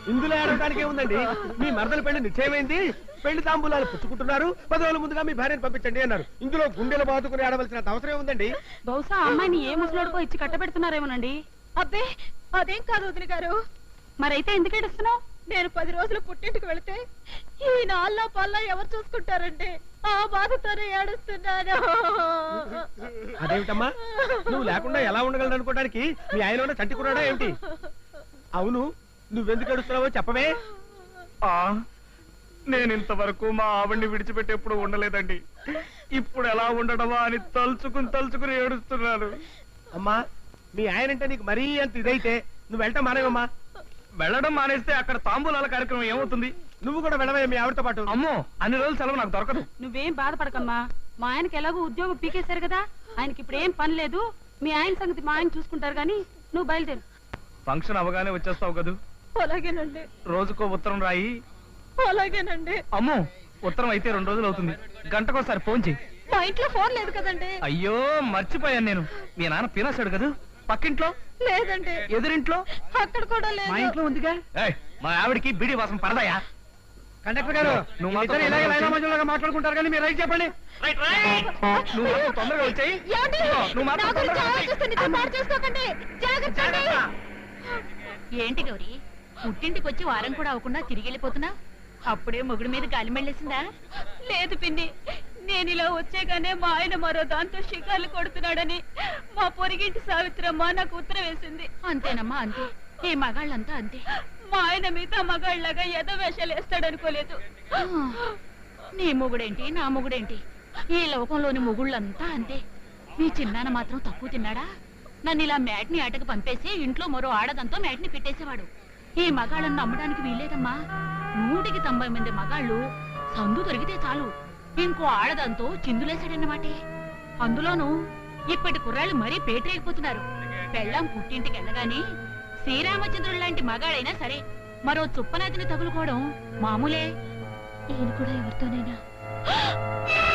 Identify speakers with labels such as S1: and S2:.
S1: ఇందులో ఏడవడానికి ఏముందండి? మీ మరదల పెళ్లి నిశ్చయమైంది, పెళ్లి తాంబూలాలు పుచ్చుకుంటున్నారు, 10 రోజుల ముందుగా మీ భార్యను పంపించండి అన్నారు. ఇందులో గుండెలు బాదుకుని ఆడవలసిన అవసరం ఏముందండి?
S2: బహుశా అమ్మాయిని ఏ ముసలోడుకో ఇచ్చి కట్టబెడుతున్నారేమోనండి.
S3: అబ్బే అదేం కాదు వదిన గారు.
S2: మరైతే ఎందుకు ఏడుస్తున్నావు?
S3: నేను 10 రోజులు పుట్టింటికి వెళితే ఈ నాల్లా పల్లా ఎవరు చూసుకుంటారండి? ఆ బాధతోనే ఏడుస్తున్నాను.
S1: అదేమిటమ్మా, నువ్వు లేకుండా ఎలా ఉండగలను అనుకోవడానికి మీ ఆయన చంటి కురాడా ఏమిటి? అవును, నువ్వెందుకు ఏడుస్తున్నావో చెప్పవే.
S4: నేను ఇంతవరకు మా ఆవిడ్ని విడిచిపెట్టి ఎప్పుడు ఉండలేదండి. ఇప్పుడు ఎలా ఉండడమా అని తలుచుకుని ఏడుస్తున్నాను.
S1: అమ్మా, మీ ఆయనంటే నీకు మరీ అంత ఇదైతే నువ్వు వెళ్ళటం మానేవమ్మా.
S4: వెళ్ళడం మానేస్తే అక్కడ తాంబూలాల కార్యక్రమం ఏమవుతుంది?
S1: నువ్వు కూడా వెళ్ళవే మీ ఆవిడతో పాటు.
S4: అమ్మో, అన్ని రోజులు సెలవు నాకు దొరకదు.
S2: నువ్వేం బాధపడకమ్మా, మా ఆయనకి ఎలాగో ఉద్యోగం పీకేశారు కదా, ఆయనకి ఇప్పుడు ఏం పని లేదు. మీ ఆయన సంగతి మా ఆయన చూసుకుంటారు గాని నువ్వు బయలుదేరు.
S4: ఫంక్షన్ అవగానే వచ్చేస్తావు కదూ?
S3: అలాగేనండి.
S4: రోజుకో ఉత్తరం రాయి.
S3: అలాగేనండి.
S4: అమ్మో, ఉత్తరం అయితే 2 రోజులు అవుతుంది. గంటకోసారి ఫోన్ చెయ్యి.
S3: మా ఇంట్లో ఫోన్ లేదు కదండి.
S4: అయ్యో మర్చిపోయాను నేను. మీ నాన్న పినాసాడు కదా? పక్కింట్లో
S3: లేదండి.
S4: ఎదురింట్లో
S3: అక్కడ కూడా లేదు.
S1: మా ఇంట్లో ఉందిగా.
S4: మా ఆవిడికి బీడి వాసన పడదాయా?
S1: కండక్టర్ గారు,
S4: నువ్వు
S1: ఇద్దరు ఇలాగే లైనా మధ్యలో మాట్లాడుకుంటారు కానీ మీరు రైట్ చెప్పండి.
S4: నువ్వు మాత్రం తొందరగా వచ్చాయి. నువ్వు మాత్రం తొందరగా వచ్చేయ్.
S5: ఏంటి గౌరీ, పుట్టింటికి వచ్చి వారం కూడా అవ్వకుండా తిరిగి వెళ్ళిపోతున్నా? అప్పుడే మొగుడు మీద గాలి మెళ్ళేసిందా?
S3: లేదు పిన్ని, నేను ఇలా వచ్చేగానే మా ఆయన మరో దాంతో షికార్లు కొడుతున్నాడని మా పొరిగింటి సావిత్రమ్మ నాకు ఉత్తరం వేసింది.
S5: అంతేనమ్మా, అంతే. ఈ మగాళ్ళంతా అంతే.
S3: మా ఆయన మిగతా మగాళ్ళగా ఎదో వేషాలు వేస్తాడనుకోలేదు.
S5: నీ మొగుడేంటి, నా మొగుడేంటి, ఈ లోకంలోని మొగుళ్ళంతా అంతే. మీ చిన్నాన్న మాత్రం తక్కువ తిన్నాడా? నన్ను ఇలా మ్యాట్ని ఆటకు పంపేసి ఇంట్లో మరో ఆడదంతో మ్యాట్ని పెట్టేసేవాడు. ఈ మగాళ్ళను నమ్మడానికి వీల్లేదమ్మా. 190 మంది మగాళ్ళు సందు దొరికితే చాలు ఇంకో ఆడదంతో చిందులేశాడన్నమాటే. అందులోనూ ఇప్పటి కుర్రాళ్ళు మరీ పేటరేగిపోతున్నారు. పెళ్ళాం పుట్టింటికి వెళ్ళగాని శ్రీరామచంద్రుడు లాంటి మగాడైనా సరే మరో చుప్పనాతిని తగులుకోవడం మామూలే.
S3: ఈయన కూడా ఎవరితోనైనా